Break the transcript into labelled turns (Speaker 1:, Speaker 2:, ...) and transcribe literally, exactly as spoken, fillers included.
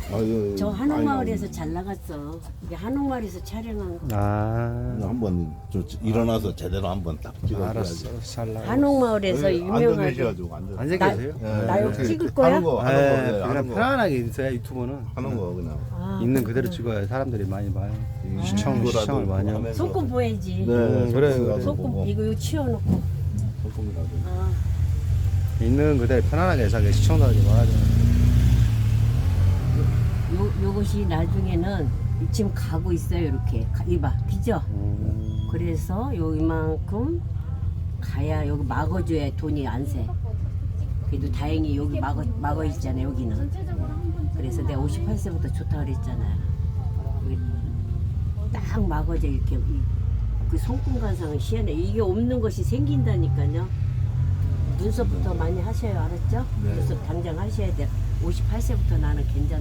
Speaker 1: 아유,
Speaker 2: 저
Speaker 1: 많이
Speaker 2: 한옥마을에서 잘 나갔어. 이게 한옥마을에서 촬영한 거.
Speaker 3: 아,
Speaker 1: 나오네. 한번 저 일어나서 제대로 한번 딱 찍어줘야지.
Speaker 3: 알았어. 잘 나가.
Speaker 2: 한옥마을에서
Speaker 1: 앉아
Speaker 2: 유명한
Speaker 1: 계셔가지고 앉아.
Speaker 3: 앉아
Speaker 2: 나-
Speaker 3: 계세요?
Speaker 1: 예,
Speaker 2: 나
Speaker 1: 이렇게
Speaker 2: 여기 찍을 거야?
Speaker 1: 하는 거, 하는 거,
Speaker 3: 예,
Speaker 1: 예,
Speaker 3: 그냥
Speaker 1: 하는 거,
Speaker 3: 편안하게 있어야 유튜브는
Speaker 1: 하는 거 그냥.
Speaker 2: 아,
Speaker 3: 있는 그대로
Speaker 2: 그렇구나.
Speaker 3: 찍어야 사람들이 많이 봐요.
Speaker 1: 이
Speaker 3: 시청,
Speaker 1: 유튜브라도
Speaker 3: 시청을 많이 하고.
Speaker 1: 하면서.
Speaker 2: 손금 보야지.
Speaker 1: 네,
Speaker 3: 음, 그래,
Speaker 1: 손금이라도
Speaker 3: 그래.
Speaker 2: 손금
Speaker 1: 보고.
Speaker 2: 이거 이거 치워놓고.
Speaker 1: 손금이라도.
Speaker 2: 아,
Speaker 3: 있는 그대로 편안하게 해서 시청자들이 봐야죠.
Speaker 2: 요 요것이 나중에는 지금 가고 있어요. 이렇게 가- 이봐, 그죠?
Speaker 3: 음,
Speaker 2: 그래서 요 이만큼 가야 여기 막아줘야 돈이 안 새. 그래도 다행히 여기 막아 막아 있잖아 여기는. 그래서 내가 오십팔 세부터 좋다 그랬잖아. 여기 딱 막아져 이렇게 이- 그 손금 관상은 희한해. 이게 없는 것이 생긴다니까요. 눈썹부터 많이 하셔요, 알았죠?
Speaker 1: 네.
Speaker 2: 눈썹 당장 하셔야 돼. 오십팔 세부터 나는 괜찮아.